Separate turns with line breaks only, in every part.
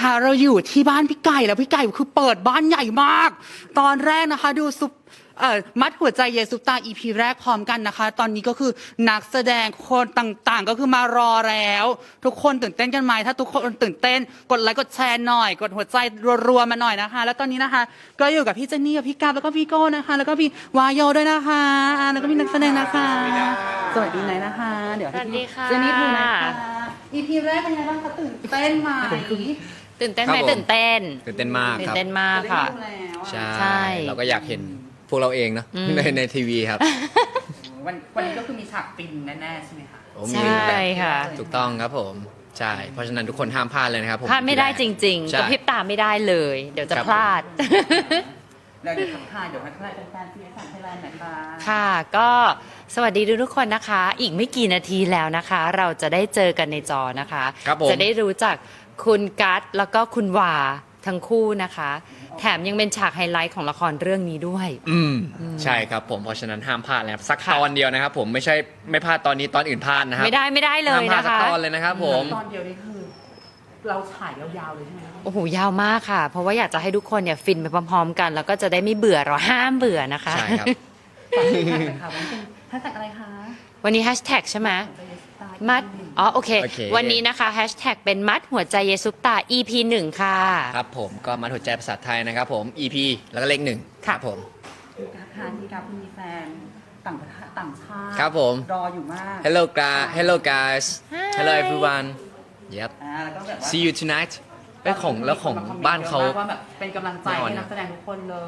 นะคะเราอยู่ที่บ้านพี่ไก่แล้วพี่ไก่คือเปิดบ้านใหญ่มากตอนแรกนะคะดูซุปมัดหัวใจเยซุปตา EP แรกพร้อมกันนะคะตอนนี้ก็คือนักแสดงคนต่างๆก็คือมารอแล้วทุกคนตื่นเต้นกันไหมถ้าทุกคนตื่นเต้นกดไลค์กดแชร์หน่อยกดหัวใจรัวๆมาหน่อยนะคะแล้วตอนนี้นะคะก็อยู่กับพี่เจนนี่กับพี่กาบแล้วก็พี่โก้นะคะแล้วก็พี่วายโยด้วยนะคะแล้วก็พี่นักแสดงนะคะสวัสดีไหนนะคะเดี๋ยวให้พี่เจนนี่พูดนะคะ EP แรกเป็นไงบ้างคะตื่นเต้นไหม
ตื่นเต้นไหมตื่นเต้น
ตื่นเต้นมาก
ตื่
คน รับ
เต้นมากค่ะ
ใช่เราก็อยากเห็นพวกเราเองเนาะในทีวีครับ
วันนี้ก็คือมีฉากฟินแน่ๆใช่ไหมคะ
โอ้
ใช่
มี
ค่ะ
ถูกต้องครับผมใช่เพราะฉะนั้นทุกคนห้ามพลาดเลยนะครับผม
พลาดไม่ได้จริงๆ
ใช่
กระพริบตาไม่ได้เลย เดี๋ยวจะ
ครับ
พลาด
แล้วเดี๋ยวทักทายเดี๋ยวทักทายแฟนๆที่ไทยแลนด์หน่อยค่ะ
ค่ะก็สวัสดีทุกคนนะคะ อีกไม่กี่นาทีแล้วนะคะ เราจะได้เจอกันในจอนะคะ
ครับผม
จะได้รู้จักคุณกัตแล้วก็คุณวาทั้งคู่นะคะ แถมยังเป็นฉากไฮไลท์ของละครเรื่องนี้ด้วย
ใช่ครับผมเพราะฉะนั้นห้ามพลาดนะครับสัก
ค่ะ
ตอนเดียวนะครับผมไม่พลาดตอนนี้ตอนอื่นพลาดนะครับ
ไม่ได้เลย
ห้ามพลาดสัก
นะคะ
ตอนเลยนะครับผม
ตอนเดียวนี่คือเราถ่ายยาวๆเลยใช่ไหมคะ
โอ้โหยาวมากค่ะ เพราะว่าอยากจะให้ทุกคนเนี่ยฟินไปพร้อมๆกัน แล้วก็จะได้ไม่เบื่อเราห้ามเบื่อนะคะ
ใช่ครับ
ฝากแฮชแท็กเลยค่ะวันนี้เป็นแฮชแท็กอะไรคะ
วันนี้แฮชแท็กใช่ไหมมัดโอเค
โอเค
วันนี้นะคะแฮชแท็กเป็นมัดหัวใจเยซุปตา EP 1 ค่ะ
ครับผมก็มาหัวใจภาษาไทยนะครับผม EP แล้วก็เลขหนึ่งครับผม
พี่กราฟทานพี่กราฟมีแฟนต่างชาติ
ครับผม
รออยู่มาก
Hello guys Hello everyone Yep
แล้วก็แบบว่า
See you tonight แล้วของบ้านเขา
ว่าแบบเป็นกำลังใจให้นักแสดงทุกคนเลย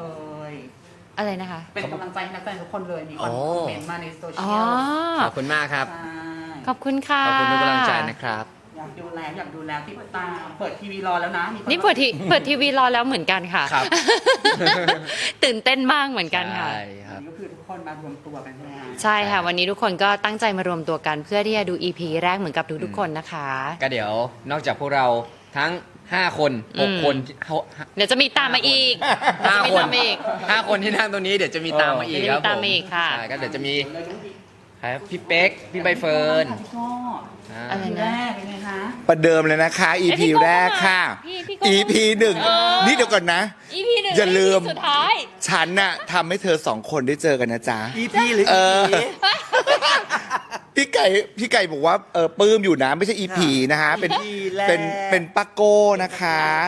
อะไรนะคะ
เป็นกำลังใจให้นักแสดงทุกคนเลยมีคน
อ๋อ
คอมเมนต์มาในโซเชี
อ๋อย
ล
ขอบคุณมากครับ
ใช่
ขอบคุณค่ะ
ขอบคุณทุกกำลังใจนะครับ
อยากดูแล้วที่ตามเปิดทีวีรอแล้วนะมีค
นี่เปิดทีวีรอแล้วเหมือนกันค่ะ
ครับ
ตื่นเต้นมากเหมือนกันค่ะ
ใช่ครับ
ก็คือทุกคนมารวมตัวกันใช่ไหมคะ
ใช่ค่ะ วันนี้ทุกคนก็ตั้งใจมารวมตัวกันเพื่อที่จะดู EP แรกเหมือนกับทุกๆคนนะคะ
ก็เดี๋ยวนอกจากพวกเราทั้ง 5 คน 6 คน
เดี๋ยวจะมีตามมาอีก
5
จะมี
คน
ตามมาอีก
5 คนที่นั่งตรงนี้เดี๋ยวจะมีตามมาอีก
เดี๋ยว
ค
จะมี
รับ
ตามมาอีกค่ะ
ใช่ก็เดี๋ยวจะมีครับพี่เป๊กพี่ใบเฟิร์น
พี่โก้
อะไร
ที
นะ
แรกเป็นไงคะ
ประเดิมเลยนะคะ EP
พี่โก้
แรกค่ะ
พี่โก้
EP หนึ่ง นี่เดี๋ยวก่อนนะ
EP 1
อย่าลืม
สุดท้าย
ฉันน่ะทำให้เธอสองคนได้เจอกันนะจ๊ะ
EP หรือ
เออ พี่ไก่บอกว่าปลื้มอยู่นะไม่ใช่ EP นะฮะเป็นปักโก้นะคะ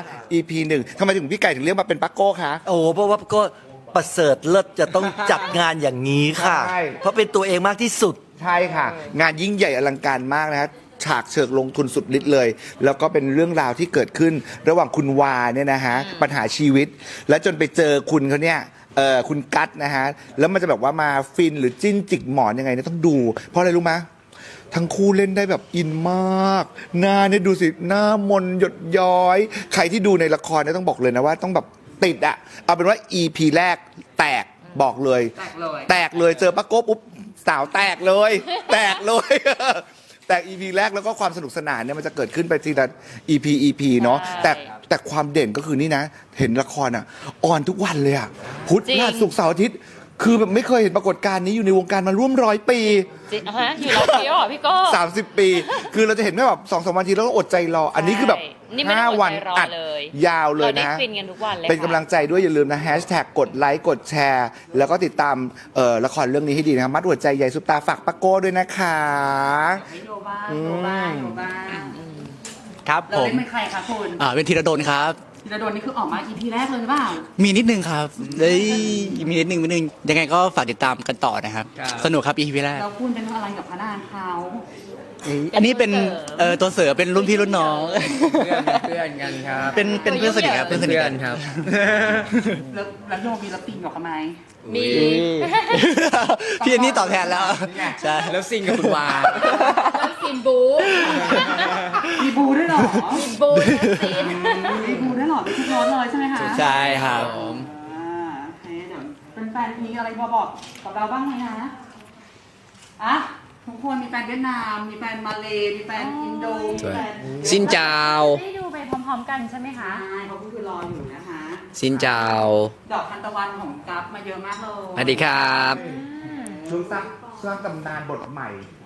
EP หนึ่งทำไมถึงพี่ไก่ถึงเรียกมาเป็นปักโก้คะ
โอ้โหเพราะว่าก็ประเสริฐเลิศจะต้องจัดงานอย่างนี้ค่ะ
ใช่
เพราะเป็นตัวเองมากที่สุด
ใช่ค่ะ งานยิ่งใหญ่อลังการมากนะฮะฉากเชิงลงทุนสุดฤทธิ์เลย แล้วก็เป็นเรื่องราวที่เกิดขึ้น ระหว่างคุณวาเนี่ยนะฮะปัญหาชีวิต แล้วจนไปเจอคุณเขาเนี่ยคุณกัตนะฮะแล้วมันจะแบบว่ามาฟินหรือจิ้นจิกหมอนยังไงเนี่ยต้องดู เพราะอะไรรู้ไหมทั้งคู่เล่นได้แบบอินมากหน้าเนี่ยดูสิหน้ามนหยดย้อย ใครที่ดูในละครเนี่ยต้องบอกเลยนะว่าต้องแบบติดอะเอาเป็นว่า EP แรกแตกบอกเลย แตกเลยเจอป้าโก้ปุ๊บสาวแตกเลย แตกเลย แตก EP แรกแล้วก็ความสนุกสนานเนี่ยมันจะเกิดขึ้นไปทีละ EP เนาะ
ใช่
แต่ความเด่นก็คือนี่นะ เห็นละครอ่ะออนทุกวันเลยอ่ะพุธ
จริง
พฤหัสศุกร์เสาร์อาทิตย์คือแบบไม่เคยเห็นปรากฏการณ์นี้อยู่ในวงการมาร่วม100 ปี
จริงฮะอยู่รอบเดียวเหรอพี่โก้
30 ปี คือเราจะเห็นแค่แบบ2-3 วันทีแล้วก็อดใจรอ อันนี้คือแบบ
นี่ไม่ต้องอดใจ
5 วัน
รอ
อัด
เลย
ยาวเลย
เราได้
นะ
ฟินกันทุกวันเลย
เป็น
ค่ะ
กำลังใจด้วยอย่าลืมนะแฮชแท็กกดไลค์กดแชร์ แล้วก็ติดตามละครเรื่องนี้ให้ดีนะครับมัดหัวใจใหญ่ซุปตาฝากปะโก้ด้วยนะคะ
ให้โยบ้างโยบ้างโยบ้าง
ครับ
เรา
ผม
เล่นเป็นใครคะคุณ
เป็นธีรดลครับ
ธีรดลนี่คือออกมา EP แรกเลยหรือเปล่า
มีนิดนึงครับเอ้ยมีนิดนึงยังไงก็ฝากติดตามกันต่อนะครับ
ครับ
สนุกครับ EP แรก
เราคุณเป็นอะไรกับพระนางเขา
อันนี้เป็นตัวเสือเป็นรุ่นพี่รุ่นน้อง
เพื่อนกันครับ
เป็นเพื่อนสนิทครับเพื่อนสนิทกัน
ครับ
แล้วโยมีรับตีนกับเขาไหม
มี
พี่อันนี้ตอบแทนแล้วใช่
แล้วซิงกับคุณวา
แล้วซีนบู
มีบูด้วยเหรอ
ซีนบูซีน
มีบูด้วยเหรอมีทุกรสเลยใช่ไหมคะ
ใช่ครับ
อ่าโอเคเดี๋ยวเป็นแฟนมีอะไรมาบอกกับเราบ้างไหมนะอ่ะทุกคนมีแฟนเวียดนาม มีแฟนมาเลมีแฟนอินโดมีแฟน
ซินเจา
ได้ดูไปพร้อมๆกันใช่ไหมคะ
ใช่เขาก็คือรออยู่นะคะ
ซินเจา
ดอกทานตะวันของกัฟมาเยอะมากเลย
สวัสดีครับ
สร้างตำนานบทใหม่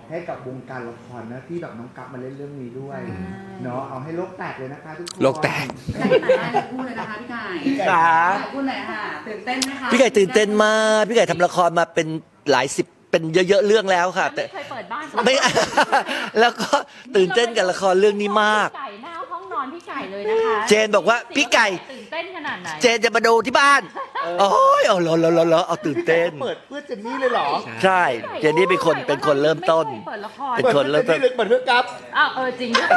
ให้กับวงการละครนะที่แบบน้องกั๊บมาเล่นเรื่องนี้ด้วยเนาะเอาให้โลกแตกเลยนะคะทุกคน
โลกแตก
พี่ไก่ไหนพูดเลยนะคะพี่ไก่
ครับ
พูดเลยค่ะตื่นเต้นไหมคะ
พี่ไก่ตื่นเต้นมากพี่ไก่ทำละครมาเป็นหลายสิบเป็นเยอะๆเรื่องแล้วค่ะ แต่
ไม่เคยเปิดบ้าน
ไม่ แล้วก็ตื่นเต้นกับละครเรื่องนี้มาก
พี่ไก่หน้าห้องนอนพี่ไก่เลยนะคะ
เจนบอกว่าพี่ไก่
ตื่นเต้นขนาดไหน
เจนจะมาดูที่บ้านโอ้ยเอาเหรอเอาตื่นเต้น
เปิดเพื่อเจนนี่เลยเหรอ
ใช่เจนนี่เป็นคนเริ่มต้น
ไม่เคยเปิดละคร
เป็นคนเริ่มต้น
เปิดเพื่อกั๊บ
อ้าวจริงด้วย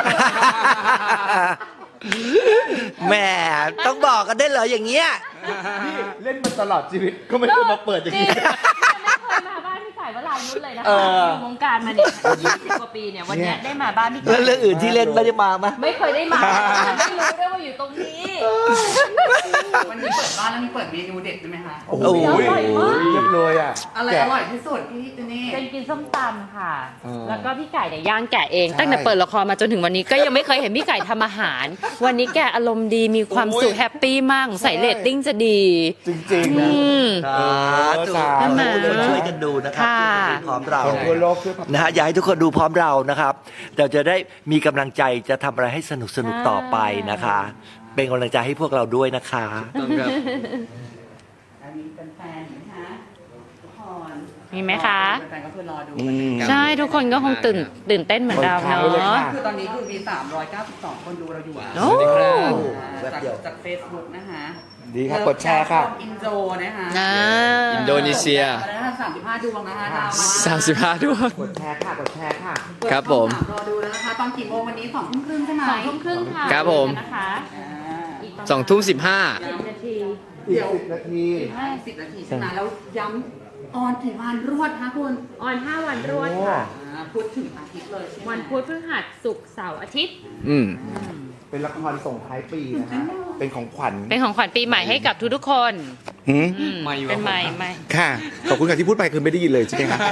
แหมต้องบอกกันได้เหรออย่างเงี้ย
เล่นมาตลอดชีวิตก็ไม่เคยมาเปิดอย่าง
จริ
นี้
งไม่เคยมาบ้านพี่ไก่วรายุทธเลยนะคะอยู่วงการมาเนี่ย20 กว่าปีเนี่ยวันเนี้ยได้มาบ้านพี่ไก่
แล้วเรื่องอื่นที่เล่นไม่ได้มาไหม
ไม่เคยได้มาไม่รู้ด้วยว่าอยู่ตรงนี้
วันนี้เปิดบ้านแล้วมีเปิดเมนูเด็ดใช่ไหมคะ
โอ้โห
อร่อยมาก
เรียบเลยอ่ะ
อะไร
แกะ
อร่อยที่สุดพี่เจนนี่
เป็นกินส้มตำค่ะ
อ๋อ
แล้วก็พี่ไก่เนี่ยย่างแกะเอง
ใช่
ตั้งแต่เปิดละครมาจนถึงวันนี้ก็ยังไม่เคยเห็นพี่ไก่ทำอาหาร วันนี้แกอารมณ์ดีมีความสุขแฮปปี้มากใส่เรตติ้งจะดี
จริงๆนะ
สาธุ
สาธุ
ให้ทุกคนช่วยกันดูนะครับ
ค่ะ
พร้อมเรา
คนทั่วโลกช่วยผลักดัน
นะฮะอยากให้ทุกคนดูพร้อมเรานะครับเราจะได้มีกำลังใจจะทำอะไรให้สนุกต่อไปนะคะ เป็นกำลังใจให้พวกเราด้วยนะคะ
ต้องครับ
อันนี้เป็นแฟนๆนะคะทุกคน
มีไหมคะ
แฟนๆก็คือรอดู
ใช่ทุกคนก็คงตื่นเต้นเหมือนเรา
คนค้างไว้เลย
เนาะ
ค่ะ
คือตอนนี้คือมี 392 คนดูเราอยู่
โอ้
สวัสดีครับ
จาก Facebook นะคะ
ดีครับกดแชร์ค่ะ
อินโดนะคะ
อ่า
อินโดนีเซีย
มาได้35 ดวงนะคะดาวมา
35 ด้วย
กดแชร์ค่ะกดแชร์ค่ะ
ครับผม
รอดูแล้วนะคะตอนกี่โมงวันนี้2 ทุ่มครึ่งใช่ไหม
2 ทุ่มครึ่งค่ะ
ครับผม
นะคะ
อ่า
อีกประมาณ
2 ทุ่ม 15
10 นาที
อีก10 นาที
50 นาทีใช่ไหมแล้วย้ำออนกี่วันรวดคะคุณ
ออน 5 วันรวดค่ะ
พูดถึงอาทิตย์เลยใช่ไหม
วันพุธพฤหัสศุกร์เสาร์อาทิตย์
อืม
เป็นละครส่งท้ายปีนะฮะเป็นของขวัญ
เป็นของขวัญปีใหม่ให้กับทุกๆคน
หืม
ไม่อยู่
เป็นใหม่
ครับ
ใหม่
ค่ะขอบคุณค่ะที่พูดไปคือไม่ได้ยินเลยใช่ไหมคะ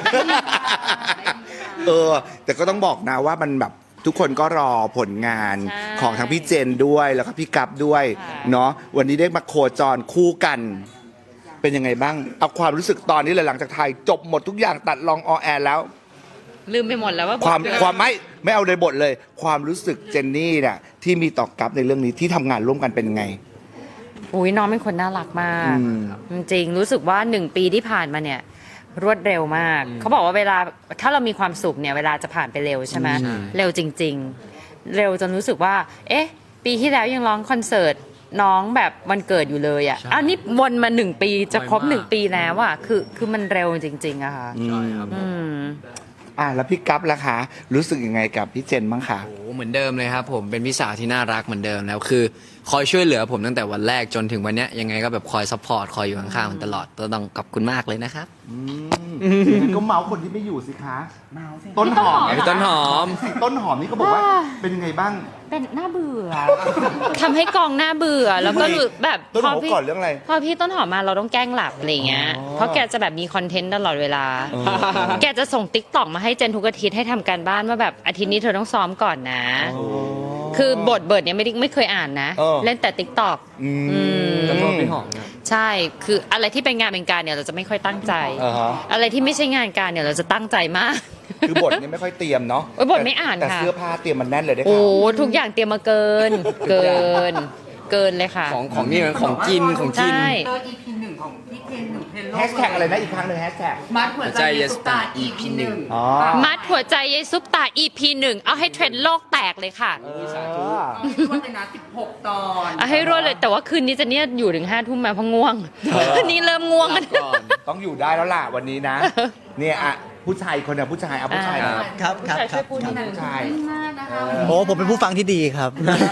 แต่ก็ต้องบอกนะว่ามันแบบทุกคนก็รอผลงาน
ใช่
ของทั้งพี่เจนด้วยแล้วก็พี่กัปด้วย
ค่ะ
เนาะวันนี้ได้มาโคจรคู่กัน เป็นยังไงบ้าง เอาความรู้สึกตอนนี้เลยหลังจากถ่ายจบหมดทุกอย่างตัดลองออแอร์แล้ว
ลืมไปหมดแล้วว่า
ความ
บท
ความไม่เอาในบทเลย ความรู้สึกเจนนี่เนี่ยที่มีต่อกัปในเรื่องนี้ที่ทำงานร่วมกันเป็นไง
อุ้ยน้องเป็นคนน่ารักมาก
อืม
จริงๆรู้สึกว่า1 ปีที่ผ่านมาเนี่ย รวดเร็วมาก เขาบอกว่าเวลาถ้าเรามีความสุขเนี่ยเวลาจะผ่านไปเร็วใช่ไหมเร็วจริง ๆ เร็วจนรู้สึกว่า เอ๊ะ ปีที่แล้วยังร้องคอนเสิร์ตน้องแบบวันเกิดอยู่เลยอ่ะ
ใช่
อ้าวนี่วนมา1 ปีจะครบ
ไวมาก
1 ปีแล้วอ่ะคือมันเร็วจริง ๆอะค่ะ
ใช่ครับ
อืม
แล้วพี่กัปล่ะคะรู้สึกยังไงกับพี่เจนบ้างคะ
โอ้โหเหมือนเดิมเลยครับผมเป็นพี่สาวที่น่ารักเหมือนเดิมแล้วคือ คอยช่วยเหลือผมตั้งแต่วันแรกจนถึงวันเนี้ยยังไงก็แบบคอยซัพพอร์ตคอยอยู่ข้างๆมันตลอดต้องขอบคุณมากเลยนะครับ
ก็เมาส์คนที่ไม่อยู่สิคะ
เมาส์สิ
ต้นหอม
พี่ต้นหอม
สิต้นหอมนี่ก็บอกว่าเป็นยังไงบ้าง
เป็นน่าเบื่อ ทำให้กองน่าเบื่อ แล้วก็รู้แบบ
ต้นหอม
พพี่
ก่อนเรื่องอะไร
พอพี่ต้นหอมมาเราต้องแกล้งหลับอะไรเงี้ย
อ๋อ
เพราะแกจะแบบมีคอนเทนต์ตลอดเวลา แกจะส่งติ๊กต็อกมาให้เจนทุกอาทิตย์ให้ทำการบ้านว่าแบบอาทิตย์นี้เธอต้องซ้อมก่อนนะ คือบทเนี่ยไม่เคยอ่านนะ เล่นแต่ติ๊กต็อก
อืม
ต้นหอมพี่หอมนะ
ใช่ คืออะไรที่เป็นงานเป็นการเนี่ยเราจะไม่ค่อยตั้งใจ
อ่าฮะ
อะไรที่ไม่ใช่งานการเนี่ยเราจะตั้งใจมาก
คือบทนี่ไม่ค่อยเตรียมเนาะ
โอ้ยบทไม่อ่าน
แต่
ค่ะ
เสื้อผ้าเตรียมมันแน่นเลยได้
โอ้
ค่ะ
ทุกอย่างเตรียมมาเกินเลยค่ะ
ของนี่มันของกินของกิน
ใช่
เตอร์ EP 1 ของพี่เทนหนึ่งเทนโลก
แฮชแท็กอะไรนะอีกครั้งหนึ่งแฮชแท็ก
มัดหัวใจเยสุตา EP 1
อ๋อ
มัดหัวใจยายซุปตา EP 1 เอาให้เทรนด์โลกแตกเลยค่ะ
รวดเลยนะ16 ตอน
เอาให้รวดเลย แต่ว่าคืนนี้จะเนี่ยอยู่ถึง5 ทุ่มมาเพราะง่วง คืนนี้เริ่มง่วงกัน
ก่อน
ต้องอยู่ได้แล้วล่ะวันนี้นะ เนี่ยอ่ะผู้ชายคนเนี่ยผู้ชายเอาผู้ชายมา
ครับครับครับ
พูดนิดนึง
ผู้ชาย
มากนะคะ
โอ้ผมเป็นผู้ฟังที่ดีครับ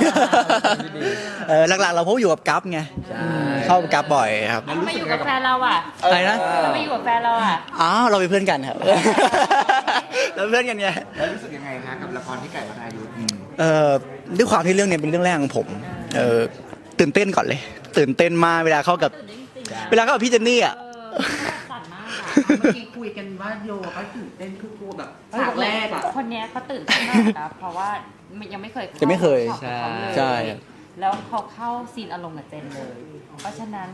หลักๆเราพบอยู่กับกัฟไงเข้ากับกัฟบ่อยครับ
ทำไมอยู่กับแฟนเราอ่ะ
อะไรนะ
ทำไมอยู่กับแฟนเราอ่ะ
อ๋อเราเป็นเพื่อนกันครับ เราเป็นเพื่อนกันไง
แล้วรู้สึกยังไงคะกับละครที่ไก่วรายุทธ์
ด้วยความที่เรื่องนี้เป็นเรื่องแรกของผมตื่นเต้นก่อนเลย ตื่นเต้นมากเวลาเข้ากับพี่เจนนี่อ่ะ
สั่นมากอ่ะ
เมื่อกี้คุยกันว่าโยก็ตื่นเต้นคือกลัวแบบฉากแรกอ่ะ
คนเนี้ยเขาตื่นเต้นมากนะ เพราะว่ายังไม่เคย
ยังไม่เคย
ข้ากับเขาเลย
ใช่
แล้วเขาเข้าซีนอารมณ์กับเจนเลย เพราะฉะนั้น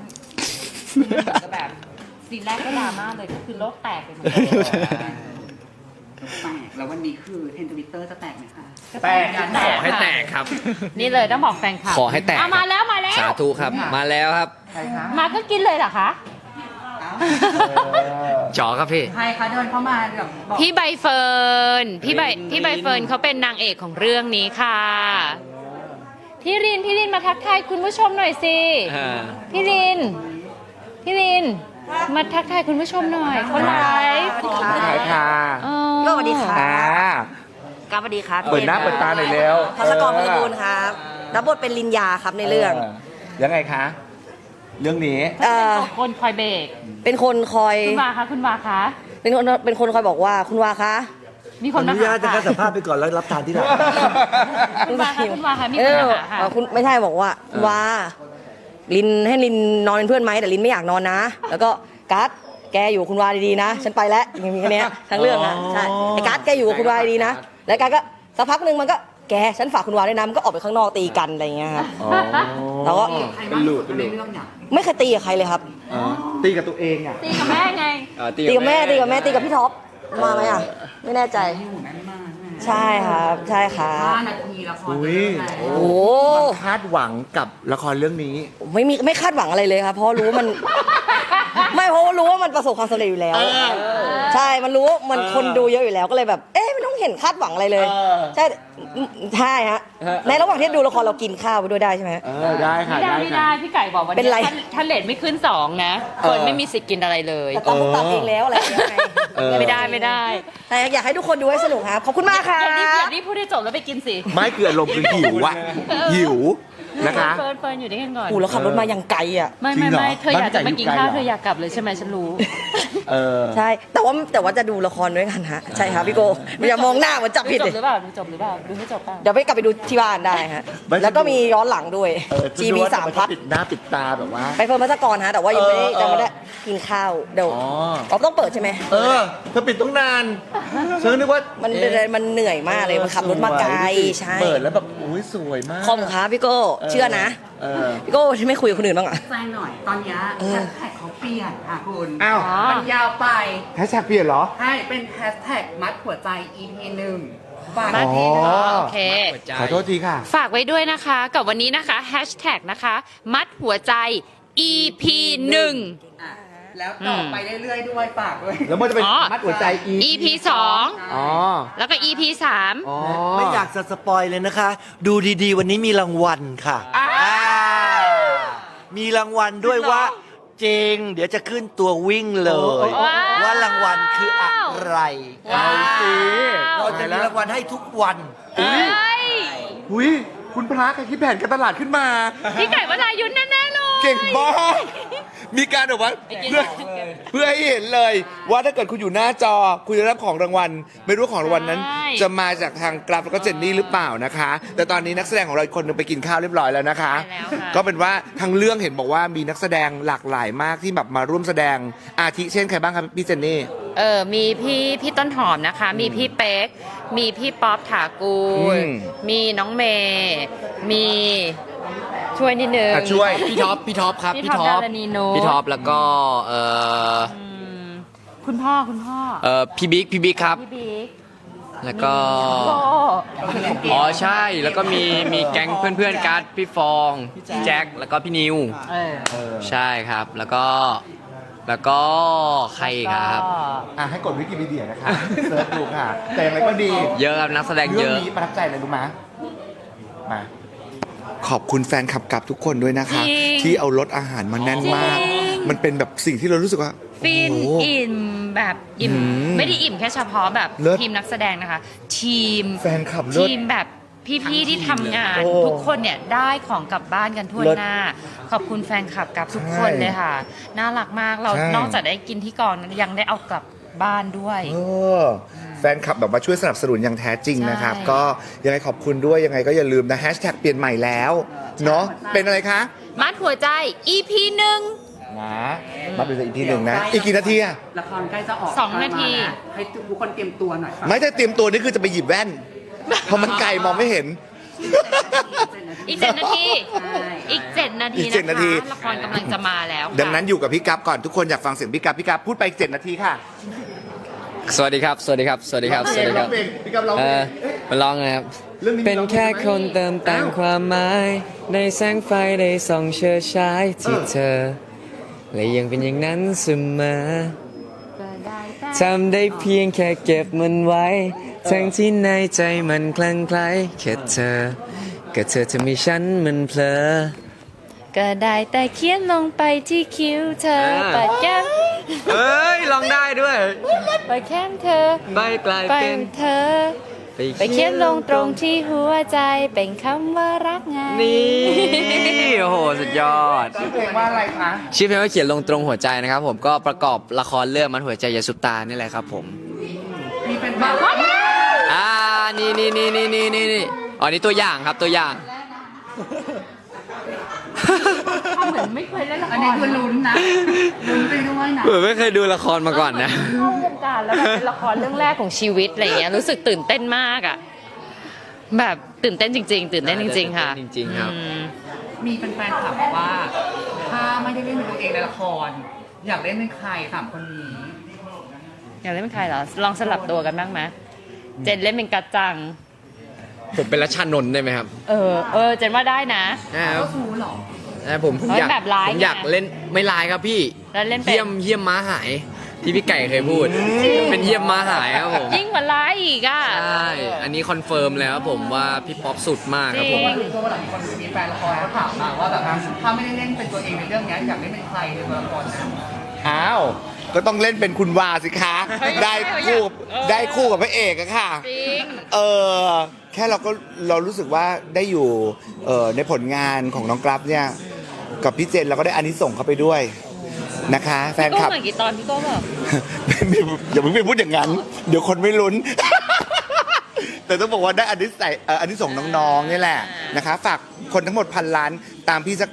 มันเหมือนกับแบบซีนแรกก็ดราม่าเลยก็คือโลกแตกไปหมดเลย
แตกแล้ววันนี้คือเทรนด์ทวิตเตอร์จะแตกไหมคะ
แตก
ขอให้แตกครับ
นี่เลยต้องบอกแฟนคลับ
ขอให้แตก
มาแล้วมาแล้ว
สาธุครับ มาแล้วครับ
ใครคะ
มาก็กินเลยเหรอคะ
จ๋อครับพี่
ใครคะเดินเข้ามาแบบบอก
พี่ใบเฟิร์นพี่ใบเฟิร์นเขาเป็นนางเอกของเรื่องนี้ค่ะ พี่รินมาทักทายคุณผู้ชมหน่อยสิพี่รินมาทักทายคุณผู้ชมหน่อยเขาไลฟ์
ขายค่ะ
อ๋อ
ก็สวัสดีค่ะ
อ่า
กราบสวัสดีครับ
เปิดหน้าเปิดตาหน่อยเร็ว
ทัศกรพลบูลครับรับบทเป็นลินยาครับในเรื่อง
ยังไงคะ เรื่องนี้
คนคอยเบรก
เป็นคนคอย
คุณวาคะ
เป็นคนคอยบอกว่าคุณวาคะ
มีค
ขอน อ
มา
นุญา
หา
ตจะ
ค่ะ
สัมภาษณ์ไปก่อนแล้วรับทานที่หลัง
คุณวาคะมี
เอ
คน
อ
มาหาค่ะ
คุณไม่ใช่บอกว่าคุณวาลินให้ลินนอนเป็นเพื่อนไหมแต่ลินไม่อยากนอนนะ แล้วก็กัสแกอยู่คุณวาดีๆนะ ฉันไปแล้วอย่างนี้แค่เนี้ยทั้งเรื่องนะใช่ไอ้กัสแกอยู่กับคุณวาดีๆนะแล้วกัสก็สักพักหนึ่งมันก็แกฉันฝากคุณวาด้วยนะมันก็ออกไปข้างนอกตีกันอะไรอย่างเงี้ยครับแล้วก็
ใครบ้างในเรื่องเนี่ย
ไม่เคยตีกับใครเลยครับ
ตีกับตัวเองอ่ะ
ตีกับแม่ไง
ตีกับแม่ตีกับพี่ท็อปมาไหมอ่ะไม่แน่ใจ
อยู่แม่นมากใช่ไหม
ใช่ครับใช่ครับ
5 นาทีละครจะเริ่มแล้ว
โอ้โห
คาดหวังกับละครเรื่องนี้
ไม่คาดหวังอะไรเลยครับ เพราะรู้ว่ามัน ไม่เพราะว่ารู้ว่ามันประสบความสำเร็จอยู่แล้ว ใช่มันรู้ว่ามันคนดูเยอะอยู่แล้วก็เลยแบบ เอ๊ะไม่ต้องเห็นคาดหวังอะไรเลย ใช่ใช่ฮะในระหว่างที่ดูละครเรากินข้าวไปด้วยได้ใช่ไหม
ได้ค่ะ
ไม่ได้พี่ไก่บอกวัน
เป็นไร
ถ้าเลทไม่ขึ้น2นะคนไม่มีสิทธิ์กินอะไรเลย
แต่ตัดเองแล้วอะไรอย่างเงี้ยไง
ไม่ได้
แต่อยากให้ทุกคนดูให้สนุกครับขอบคุณมากค่ะ
อย่ารีบพูดให้จบแล้วไปกินสิ
ไม่คืออารมณ์คือหิวอะหิวนะคะ
เฟิร์นอยู่ด้วยกันก่อน
โอ้แล้วขับรถมาอย่างไกลอ่ะ
ไม่
จริงเหรอ
เธออยากจะมากินข้าว
บ้านไก่อยู่ไกลเหรอ
เธออยากกลับเลยใช่ไหมฉันรู้
เออ
ใช่ แต่ว่าจะดูละครด้วยกันฮะใช่ครับพี่โกอย่ามองหน้าเหมือนจับผิด
ดู
ดิ
จบหรือเปล่าดูให้จบเปล่า
เดี๋ยวไปกลับไปดูที่บ้านได้ฮะ
ไม่
แล้วก็มีย้อนหลังด้วย GB 3 พัท
ปิดหน้าปิดตาแบบว่า
ไปเพิ่มพัสกรฮะแต่ว่ายังไม่ได้กินข้าวเดี๋ยว
อ๋อ
เราต้องเปิดใช่ไหม
เออเธอปิดต้องนานฉันนึกว่า
มัน
เอ๊ะ
มันเหนื่อยมากเลยมันขับรถมาไกล
สวย
ใช่
เปิดแล้วแบบอุ้ยสวยมาก
คอมครับพี่โก้เชื่อนะ
เออ
พี่โก้ที่ไม่คุยกับคนอื่นบ้างอ่ะ
แซงหน่อย ตอนเนี้ยแฮชแท็กเขาเปลี่ยนค่ะคุณ
อ้าว
มันยาวไป
แฮชแท็กเปลี่ยนเหรอ
ให้เป็นแฮชแท็กมัดหัวใจ EP 1ฝาก
มา
ที
อ๋อ
โอเค
ขอโทษทีค่ะ
ฝากไว้ด้วยนะคะกับวันนี้นะคะแฮชแท็กนะคะมัดหัวใจ EP 1
อ่ะแล้วต่อไปเรื่อยๆด้วยฝากด้วย
แล้วมันจะเป็น
อ๋อ
มัดหัวใจ
EP
อ๋อ
2แล้วก็ EP 3
อ๋อ
ไม่อยากจะสปอยเลยนะคะ ดูดีๆ วันนี้มีรางวัลค่ะมีรางวัลด้วยว่าจริง เดี๋ยวจะขึ้นตัววิ่งเลย
ว้าว
ว่ารางวัลคืออะไร
ว้าว
เราจะมีรางวัลให้ทุกวัน
เอ้ย
อุ้ยคุณพระใครคิดแผนการตลาดขึ้นมา
พี่ไก่วรายุทธ์แน่ๆเลย
เก่งมาก มีการแบบว่าเพื่อให้เห็นเลย ว่าถ้าเกิดคุณอยู่หน้าจอ คุณจะรับของรางวัล ไม่รู้ของรางวัลนั้น จะมาจากทางกราฟแล้วก็เจนนี่หรือเปล่านะคะ แต่ตอนนี้นักแสดงของเราอีกคนหนึงไปกินข้าวเรียบร้อยแล้วนะคะ
ใช่แล้วค่ะ
ก็เป็นว่าทางเรื่องเห็นบอกว่ามีนักแสดงหลากหลายมากที่แบบมาร่วมแสดงอาทิเช่นใครบ้างครับพี่เจนนี่
มีพี่ต้นหอมนะคะ มีพี่เป๊ก มีพี่ป๊อปถากูล
อืม
มีน้องเมย์มีช่วยนิดนึง
ช่วย
พี่ท็อปครับ
พี่ท็อปดารณีนุช
พี่ท็อปแล้วก็
คุณพ่อ
พี่บิ๊กครับ
พี่บิ๊ก
แล้วก็
โก้
อ๋อใช่ แล้วก็มีแก๊งเพื่อนๆการ์ดพี่ฟองพี่แจ็คแล้วก็พี่นิว ใช่ครับ แล้วก็ใครอีกครับ
ให้กดวิกิพีเดียนะคะเสิร์ชดูค่ะ แต่อย่างไรก็ดี
เยอะครับนักแสดงเย
เรื่อง
อะ
นี้ประทับใจอะไรรู้ไหมมา ขอบคุณแฟนคลับกับทุกคนด้วยนะคะ
จริง
ที่เอารถอาหารมาแน่นมาก
จริง
มันเป็นแบบสิ่งที่เรารู้สึกว่า
ฟิน
โอ้โห
อิ่มแบบอิ่ม
อืม
ไม่ได้อิ่มแค่เฉพาะแบบ
เลิศ
ทีมนักแสดงนะคะ ทีม
แฟนคลับเลิศ
ทีมแบบพี่ๆที่ทำงาน
โอ้
ทุกคนเนี่ยได้ของกลับบ้านกันทั่ว
เลิศ
หน้า ขอบคุณแฟนคลับกับทุกคน
ใช่
เลยค่ะ น่ารักมากเรา
ใช่
นอกจากได้กินที่กองนั้นยังได้เอากลับบ้านด้วย
เออแฟนคลับแบบมาช่วยสนับสนุนอย่างแท้จริงนะครับ
ใช่
ก็ยังไงขอบคุณด้วยยังไงก็อย่าลืมนะแฮชแท็กเปลี่ยนใหม่แล้วเนาะเป็นอะไรคะ
มัดหัวใจ EP 1
นะมาเป็นอีกทีหนึ่งนะ อีกกี่นาทีอะ
ละครใกล้จะออก
2 นาที
ให้ทุกคนเตรียมตัวหน่อย
ไม่ได้เตรียมตัวนี่คือจะไปหยิบแว่นเพราะมันไกลมองไม่เห็น
อีก 7 นาที อีก 7 นาที
อีก7นาที
ละครกำลังจะมาแล้วค่ะ
ดังนั้นอยู่กับพี่กั๊บก่อนทุกคนอยากฟังเสียงพี่กั๊บพูดไปอีก7นาทีค่ะ
สวัสดีครับ สวัสดีครับ สวัสดีครับ สวัสดีครับ
พี่กับร้องเพลง
มาร้องไงครับ
เรื่องนี้มี
เป็นแค่คนเติมแต่งความหมาย ในแสงไฟได้ส่องเชิดฉายที่เธอ และยังเป็นอย่างนั้นเสมอ ทำได้เพียงแค่เก็บมันไว้ ทั้งที่ในใจมันคลั่งไคล้แค่เธอ ก็เธอจะมีฉันมันเพลอ
ก็ได้แต่เขียนลงไปที่คิ้วเธอปัดแก้ม
เอ้ยร้องได้ด้วย
ปัดแก้มเธอ
ใบกลาย
ไป
เป็น
เธอ ไปเขียนลงตรงที่หัวใจเป็นคำว่ารักไง
นี่ โอ้โห สุดยอด
ชื่อเพลงว่าอะไรคะ
ชื่อเพลงว่าเขียนลงตรงหัวใจนะครับผมก็ประกอบละครเรื่องมันหัวใจยาสุปตานี่แหละครับผม
มีเป็นแบบ
นี่อ๋อนี่ตัวอย่างครับตัวอย่าง
เหมือนไม่เคยเล่นละคร
อันนี้คือลุ้นนะลุ้นไปด้วยนะ
ผมไม่เคยดูละครมาก่อนนะ
เข้าวงการแล้วแบบเป็นละครเรื่องแรกของชีวิตอะไรเงี้ยรู้สึกตื่นเต้นมากอ่ะแบบตื่นเต้นจริง ๆ ตื่นเต้นจริง ๆ ค่ะ
จริงๆครับ
มีแฟนๆถามว่า ถ้าไม่ได้เล่นเป็นตัวเองในละคร อยากเล่นเป็นใครสามคนนี้
อยากเล่นเป็นใครเหรอลองสลับตัวกันบ้างไหมเจนเล่นเป็นกัจจัง
ผมเป็นรัชชานนท์ได้ไหมครับ
เจนว่าได้นะ
ก็คูเหรอ
ผมอยาก
แบบร้ายไง
ผมอยากเล่นไม่ลายครับพี่
แล้วเล่นเป็น
เยี่ยมม้าหาย ที่พี่ไก่เคยพูด เป็นเยี่ยมม้าหายครับผม
ยิ่งกว่าร้ายอีกอ่ะ
ใช่อันนี้คอนเฟิร์มแล้วครับผมว่าพี่ป๊อปสุดมากครับผม
จริง
ตัวหลังคนมีแฟนละครเขาถามมาว่าแบบถ้าไม่ได้เล่นเป็นตัวเองในเรื่องนี้อยากเล่นเป็นใครในตัวละครนั้น
อ้าว ก็ต้องเล่นเป็นคุณวาสิคะ ได้คู่ได้คู่กับพระเอกอะค่ะ
จริง
แค่เรารู้สึกว่าได้อยู่ในผลงานของน้องกราฟเนี่ย กับพี่เจนเราก็ได้อานิสงส์เข้าไปด้วยนะคะ แฟน
พี่
ค
โก้
ลับ
เหมือนกี่ตอนพี่โก้บอก
อย่าเพิ่งไปพูดอย่างนั้น เดี๋ยวคนไม่ลุ้น แต่ต้องบอกว่าได้อานิสงส์น้องๆนี่แหละนะคะ ฝากคนทั้งหมด1,000 ล้านตามพี่สัก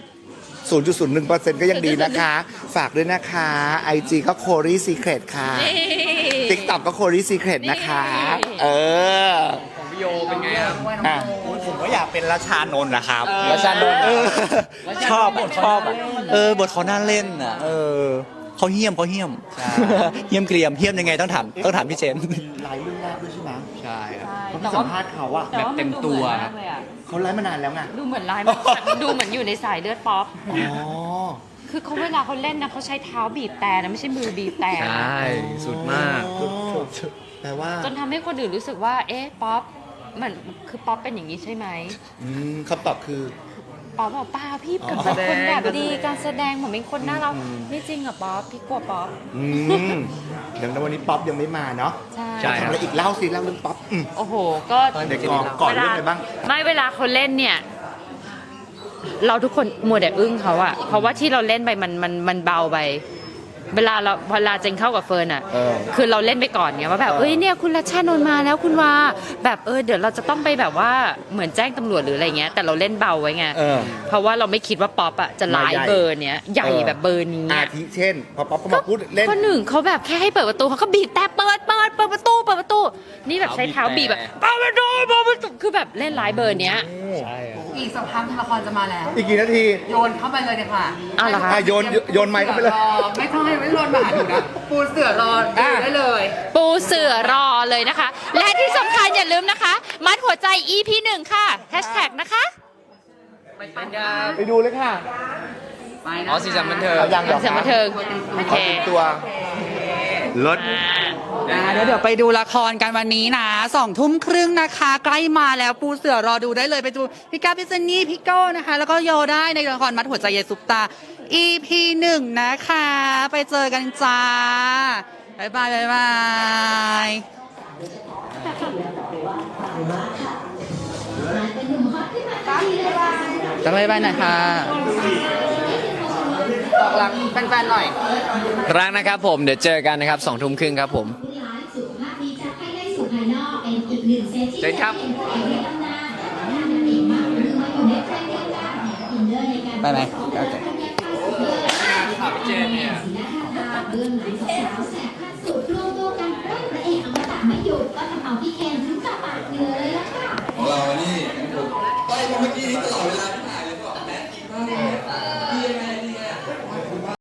0.01% ก็ยังดีนะคะ ฝากด้วยนะคะ IG ก็ Cory Secret ค่ะ TikTok ก็ Cory Secret นะคะ เออ
ของพี่โยเป็นไงครับ
อ่ะ
ผมก็อยากเป็นราชานนท์นะครับ
รัชชานนท์
ชอบบทบทเขาน่าเล่นอ่ะเขาเหี้ยมเหี้ยมเกรียมเหี้ยมยังไงต้องถามพี่เจน
หลายเรื่องแรกด้วยใช่ไหม
ใช่ครับ
ผมสัมภาษณ์เขาอะ
แบบเต็มตัวครับ
เขาไลฟ์มานานแล้วไง
ดูเหมือนร้ายมากดูเหมือนอยู่ในสายเลือดป๊อป
อ๋อ
คือเขาเวลาเขาเล่นนะเขาใช้เท้าบีบแต่นะไม่ใช่มือบีบแต่
ใช่ สุดมาก
แปลว่า
จนทำให้คนอื่นรู้สึกว่า เอ๊ะป๊อปมันคือป๊อปเป็นอย่างนี้ใช่ไหม
คำตอบคือ
ป๊อปบอกเปล่าพี่ผมเป็นคนแบบดีการแสดงผมเป็นคนน่ารักไม่จริงเหรอป๊อปพี่กลัวป๊อป
เดี๋ยววันนี้ป๊อปยังไม่มาเนาะ
ใช่
ใช่
ทำอะไรอีกเล่าสิเล่าเรื่องป๊อป
โอ้โห ก็
เด็กก่อนเรื่องอะไรบ้าง
ไม่เวลาเขาเล่นเนี่ย เราทุกคนมัวแต่อึ้งเขาอะเพราะว่าที่เราเล่นไปมันเบาไป เวลาเจนเข้ากับเฟิร์นอะ
เออ
คือเราเล่นไปก่อนไงว่าแบบเอ้ยเนี่ยคุณรัชชานนท์มาแล้วคุณวาแบบเดี๋ยวเราจะต้องไปแบบว่าเหมือนแจ้งตำรวจหรืออะไรเงี้ยแต่เราเล่นเบาไว้ไง
เออ
เพราะว่าเราไม่คิดว่าป๊อปอะจะร้าย
มาใหญ่
เบอร์เนี้ยใหญ่แบบเบอร์นี้
อา
อะ
ทิเช่น พอป๊อปก็มาพูดเล่น
คนหนึ่งเขาแบบแค่ให้เปิดประตูเขาก็บีบแต่เปิดประตู นี่แบบใช้เท้าบีบแบบเปิดประตูคือแบบเล่นร้ายเบอร์เนี้ย
ใช่ครับ
อีกสักพักละครจะมาแล้ว
อีกกี่นาที
โยนเข้าไปเลยเดี๋ยวค่ะ
อ้าวเหรอคะ
โยนไมค์เข้าไปเลย
ไม่ต้องให้ไม่โยนมาหาหนูนะปูเสือรอได้เลย
ปูเสือรอเลยนะคะ และที่สำคัญอย่าลืมนะคะ มัดหัวใจ EP 1 ค่ะแฮชแท็กนะคะ
ไปดูเลยค่ะ
ไปนะ
อ๋อสีสันบันเทิง
เอายังเหรอ
เสียงบันเทิงโอเค
ตัวรถ
เดี๋ยวไปดูละครกันวันนี้นะ20:30นะคะ ใกล้มาแล้วปูเสือรอดูได้เลยไปดูพี่ก้าวพี่เจนนี่พี่โก้นะคะ แล้วก็โยได้ในละครมัดหัวใจเยซุปตา EP 1 นะคะ ไปเจอกันจ้าบ๊ายบายจะบ๊ายบายหน่อยค่ะบอกรักแฟนๆหน่อย
รักนะครับผมเดี๋ยวเจอกันนะครับ20:30ครับผม เจนครับ
ไปไหม
เจนเนี่ย